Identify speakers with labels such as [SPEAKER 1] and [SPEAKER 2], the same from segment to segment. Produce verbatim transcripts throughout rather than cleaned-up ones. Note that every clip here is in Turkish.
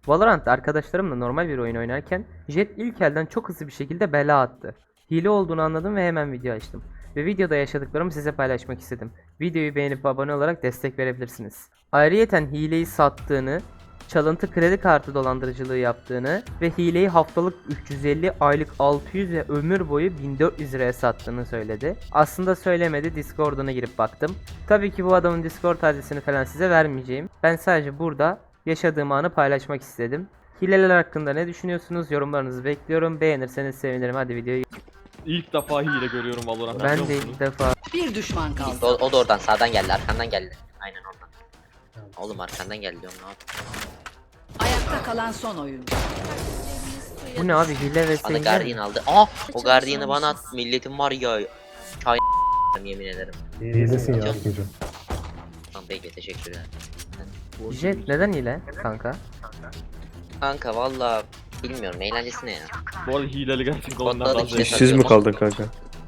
[SPEAKER 1] Valorant arkadaşlarımla normal bir oyun oynarken Jet ilk elden çok hızlı bir şekilde bela attı. Hile olduğunu anladım ve hemen video açtım. Ve videoda yaşadıklarımı size paylaşmak istedim. Videoyu beğenip abone olarak destek verebilirsiniz. Ayrıyeten hileyi sattığını, çalıntı kredi kartı dolandırıcılığı yaptığını ve hileyi haftalık üç yüz elli, aylık altı yüz ve ömür boyu bin dört yüz liraya sattığını söyledi. Aslında söylemedi, Discord'una girip baktım. Tabii ki bu adamın Discord adresini falan size vermeyeceğim. Ben sadece burada yaşadığım anı paylaşmak istedim. Hileler hakkında ne düşünüyorsunuz? Yorumlarınızı bekliyorum. Beğenirseniz sevinirim. Hadi videoyu.
[SPEAKER 2] İlk defa hile görüyorum Valorant'ta.
[SPEAKER 1] Ben
[SPEAKER 2] biliyor
[SPEAKER 1] de
[SPEAKER 2] musunuz?
[SPEAKER 1] ilk defa.
[SPEAKER 3] Bir düşman kaldı.
[SPEAKER 4] O, o da oradan sağdan geldi, arkandan geldi. Aynen oradan. Oğlum arkandan geldi diyorum, ne yapayım?
[SPEAKER 3] Ayakta kalan son oyuncu.
[SPEAKER 1] Bu ne abi, hile ve
[SPEAKER 4] Bana
[SPEAKER 1] sevgi.
[SPEAKER 4] Guardian aldı. Aa, o Guardian'ı bana at. Milletim var ya. Çay yemin ederim.
[SPEAKER 5] İyilesin ya
[SPEAKER 4] Canım.
[SPEAKER 5] Akıncı.
[SPEAKER 4] Tamam peki, teşekkür ederim.
[SPEAKER 1] Jet neden hile kanka?
[SPEAKER 4] Kanka valla bilmiyorum, eğlencesine ya.
[SPEAKER 2] Bu arada hileli gerçekten
[SPEAKER 4] Kodladı
[SPEAKER 2] ondan
[SPEAKER 4] işte.
[SPEAKER 2] fazla.
[SPEAKER 5] İşsiz mi kaldın kanka?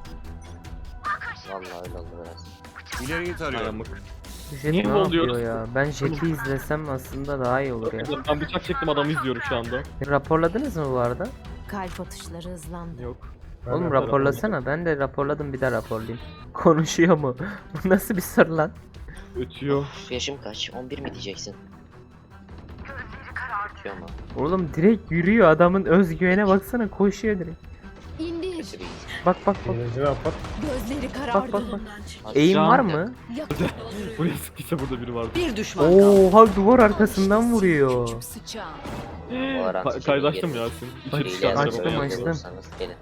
[SPEAKER 4] Valla öyle oldu biraz.
[SPEAKER 6] İleriyi tarıyorum.
[SPEAKER 2] Ayamık.
[SPEAKER 1] Jet
[SPEAKER 2] Niye
[SPEAKER 1] ne
[SPEAKER 2] oluyoruz?
[SPEAKER 1] yapıyor ya? Ben Jet'i izlesem aslında daha iyi olur ya.
[SPEAKER 2] Ben bıçak çektim, adamı izliyorum şu anda.
[SPEAKER 1] Raporladınız mı bu arada?
[SPEAKER 7] Kalp atışları hızlandı.
[SPEAKER 2] Yok.
[SPEAKER 1] Oğlum raporlasana. Ben de raporladım, bir daha raporlayayım. Konuşuyor mu? Bu nasıl bir soru lan?
[SPEAKER 2] Ötüyor.
[SPEAKER 4] Uf, yaşım kaç? on bir mi diyeceksin? Ötüyor mu?
[SPEAKER 1] Oğlum direkt yürüyor, adamın özgüvene baksana, koşuyor direkt.
[SPEAKER 7] İndir.
[SPEAKER 4] Kötü bir
[SPEAKER 1] Bak bak bak.
[SPEAKER 5] Eğlenceli yapar.
[SPEAKER 7] Gözleri
[SPEAKER 1] Bak
[SPEAKER 7] karardı.
[SPEAKER 1] bak bak.
[SPEAKER 4] Bak,
[SPEAKER 1] Eğim
[SPEAKER 2] Can-
[SPEAKER 1] var mı?
[SPEAKER 2] Buraya sıktıysa burada biri vardı.
[SPEAKER 3] Bir düşman kaldı.
[SPEAKER 1] Oha, duvar arkasından vuruyor.
[SPEAKER 7] Sıçağım.
[SPEAKER 4] Valorant
[SPEAKER 2] Ka-
[SPEAKER 4] için
[SPEAKER 2] Kaydaştım
[SPEAKER 4] iyi
[SPEAKER 2] Yasin.
[SPEAKER 1] Bak,
[SPEAKER 2] İçeri
[SPEAKER 4] Hile
[SPEAKER 2] çıkartacağım.
[SPEAKER 1] açtım,
[SPEAKER 4] yazıp
[SPEAKER 1] açtım.
[SPEAKER 4] bulursanız gelin.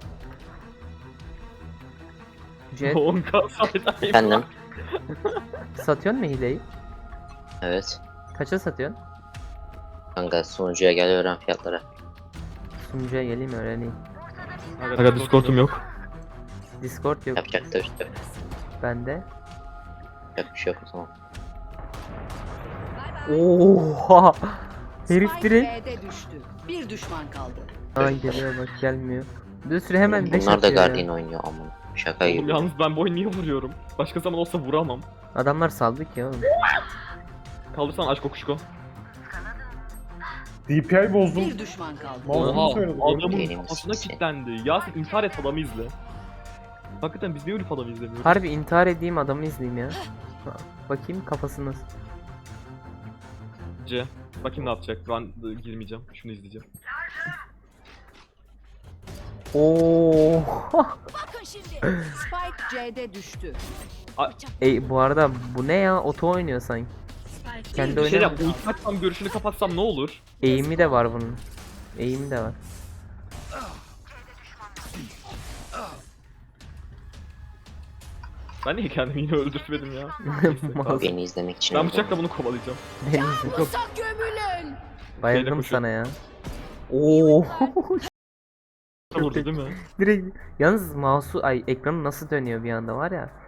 [SPEAKER 1] Jet
[SPEAKER 2] on K saydayım.
[SPEAKER 4] Efendim?
[SPEAKER 1] satıyorsun mu hileyi?
[SPEAKER 4] Evet.
[SPEAKER 1] Kaça satıyorsun?
[SPEAKER 4] Kanka sunucuya gel, öğren fiyatları.
[SPEAKER 1] Sunucuya geleyim öğreneyim.
[SPEAKER 2] Aga Discord'um yok.
[SPEAKER 1] Discord yok
[SPEAKER 4] Yapacak da işte.
[SPEAKER 1] bende.
[SPEAKER 4] Yapacak bir şey yok o zaman.
[SPEAKER 1] Oha! Herif
[SPEAKER 3] Spike
[SPEAKER 1] direkt.
[SPEAKER 3] B'de düştü. Bir düşman kaldı.
[SPEAKER 1] Ay geliyor bak, gelmiyor. Bir sürü hemen beş
[SPEAKER 4] Bunlar da
[SPEAKER 1] atıyor ya.
[SPEAKER 4] Guardian oynuyor aman. Şaka
[SPEAKER 2] Oğlum
[SPEAKER 4] gibi.
[SPEAKER 2] yalnız ben bu oyunu niye vuruyorum? Başka zaman olsa vuramam.
[SPEAKER 1] Adamlar saldı ki oğlum.
[SPEAKER 2] Kaldırsan aç kokuşko.
[SPEAKER 5] D P I bozdum.
[SPEAKER 3] Bir düşman kaldı.
[SPEAKER 5] Mouse'umu
[SPEAKER 2] Oha,
[SPEAKER 5] söyledim.
[SPEAKER 2] adamın
[SPEAKER 4] Benim
[SPEAKER 2] kafasına
[SPEAKER 4] sesi.
[SPEAKER 2] kilitlendi. Yasin intihar et, adamı izle. Hakikaten biz niye ölüp adamı izlemiyoruz?
[SPEAKER 1] Harbi intihar edeyim, adamı izleyeyim ya. Bakayım kafası nasıl.
[SPEAKER 2] C. Bakayım ne yapacak. Ben e, girmeyeceğim. Şunu izleyeceğim.
[SPEAKER 1] Oo.
[SPEAKER 7] Bakın şimdi.
[SPEAKER 3] Spike C'de düştü.
[SPEAKER 1] Ey bu arada bu ne ya? Oto oynuyor sanki. Kendi
[SPEAKER 2] Bir şey yap.
[SPEAKER 1] oynamıyor.
[SPEAKER 2] Ulti açsam, görüşünü kapatsam ne olur?
[SPEAKER 1] Eğimi de var bunun. Eğimi de var.
[SPEAKER 2] Ben niye kendimi yine öldürtmedim ya? Neyse,
[SPEAKER 1] Mouse.
[SPEAKER 4] Beni izlemek için.
[SPEAKER 2] ben
[SPEAKER 4] öyle.
[SPEAKER 2] bıçakla bunu kovalayacağım.
[SPEAKER 1] Deniz yok.
[SPEAKER 7] Sak gömülün.
[SPEAKER 1] Bayıldım
[SPEAKER 2] koşuyor.
[SPEAKER 1] sana ya. Oo.
[SPEAKER 2] Vurdu değil mi?
[SPEAKER 1] Direkt yalnız mouse'u, ay ekranı nasıl dönüyor bir anda var ya.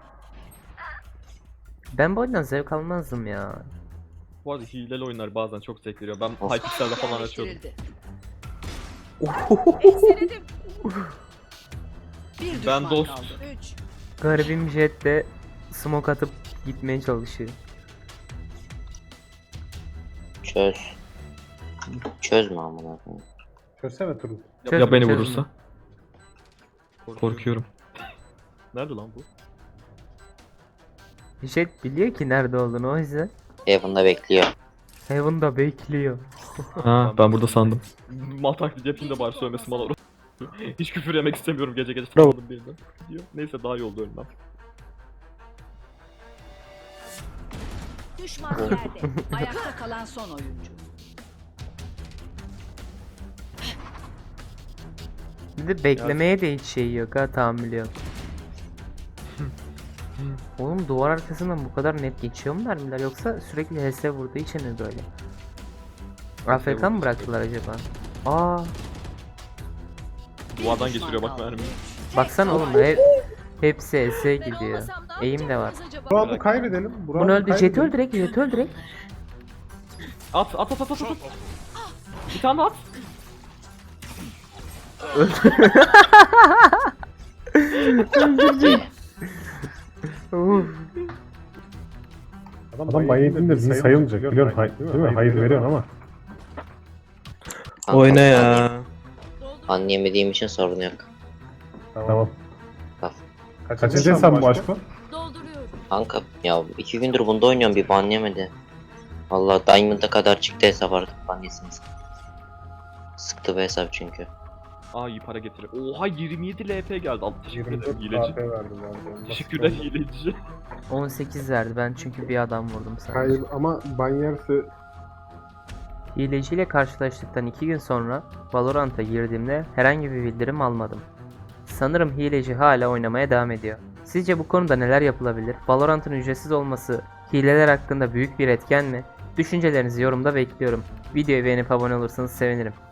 [SPEAKER 1] Ben bu oyundan zevk almazdım ya.
[SPEAKER 2] Bu arada hileli oyunlar bazen çok zevk veriyor. Ben
[SPEAKER 4] Of.
[SPEAKER 2] Hypixel'de falan açıyordum.
[SPEAKER 3] Yerleştirildi.
[SPEAKER 7] Ekseledim.
[SPEAKER 3] Bir
[SPEAKER 2] Ben
[SPEAKER 3] düşman
[SPEAKER 2] dost.
[SPEAKER 3] kaldı. Üç.
[SPEAKER 1] Garibim Jet de smoke atıp gitmeye çalışıyor.
[SPEAKER 4] Çöz. Çözme amına koyayım.
[SPEAKER 5] Çözsene Turul.
[SPEAKER 2] Ya,
[SPEAKER 1] Çözme,
[SPEAKER 2] ya beni
[SPEAKER 1] çözme.
[SPEAKER 2] vurursa? Korkuyorum. Nerede lan bu?
[SPEAKER 1] Jet biliyor ki nerede olduğunu, o yüzden
[SPEAKER 4] Heaven'da bekliyor.
[SPEAKER 1] Heaven'da bekliyor.
[SPEAKER 2] Ha, ben burada sandım. Mal taklidi yapayım da bari söylemesin bana. Hiç küfür yemek istemiyorum, gece gece tanımadım birinden. Diyor. Neyse daha iyi oldu ölmem.
[SPEAKER 7] Düşman yerde.
[SPEAKER 3] Ayakta kalan son oyuncu.
[SPEAKER 1] Bir de beklemeye de hiç şey yok ha, tahammülü yok. Oğlum duvar arkasından bu kadar net geçiyor mu mermiler, yoksa sürekli H S vurduğu için mi böyle? A F K mı
[SPEAKER 2] vurduğu
[SPEAKER 1] bıraktılar acaba? Aa,
[SPEAKER 3] Bir
[SPEAKER 2] Duvardan
[SPEAKER 3] düşman
[SPEAKER 2] geçiriyor bak
[SPEAKER 3] kaldı.
[SPEAKER 2] mermiyi.
[SPEAKER 1] baksana oğlum, hep hepsi S gidiyor. Eğim de var.
[SPEAKER 5] Bu roundu kaybedelim. Bu
[SPEAKER 1] Bunu
[SPEAKER 5] roundu
[SPEAKER 1] öldü, Jet
[SPEAKER 5] kaybedelim.
[SPEAKER 1] öldürek, Jet öldürek.
[SPEAKER 2] At at at at at at. Bir tane at.
[SPEAKER 1] Uf.
[SPEAKER 5] Adam bayağı yedin de bizi sayılmayacak. Biliyorsun hay, değil mi? Hayır veriyorsun ama.
[SPEAKER 4] Kanka,
[SPEAKER 6] Oyna ya.
[SPEAKER 4] Anlayemediğim için sorun yok.
[SPEAKER 5] Tamam.
[SPEAKER 4] Bak.
[SPEAKER 5] Kaçıncı hesap bu aşk bu?
[SPEAKER 7] Dolduruyorum.
[SPEAKER 4] Kanka ya iki gündür bunda oynuyorum bir ban yemedi. Valla Diamond'a kadar çıktı hesap artık ban yesiniz. Sıktı bu hesap çünkü.
[SPEAKER 2] Aa iyi para getirir. Oha yirmi yedi L P geldi. Al teşekkür
[SPEAKER 5] yirmi
[SPEAKER 2] ederim
[SPEAKER 5] dört
[SPEAKER 2] hileci.
[SPEAKER 5] A P verdim ben.
[SPEAKER 2] Teşekkürler hileci.
[SPEAKER 1] on sekiz verdi ben çünkü bir adam vurdum sana.
[SPEAKER 5] Hayır ama Banyerse
[SPEAKER 1] Hileciyle karşılaştıktan iki gün sonra Valorant'a girdiğimde herhangi bir bildirim almadım. Sanırım hileci hala oynamaya devam ediyor. Sizce bu konuda neler yapılabilir? Valorant'ın ücretsiz olması hileler hakkında büyük bir etken mi? Düşüncelerinizi yorumda bekliyorum. Videoyu beğenip abone olursanız sevinirim.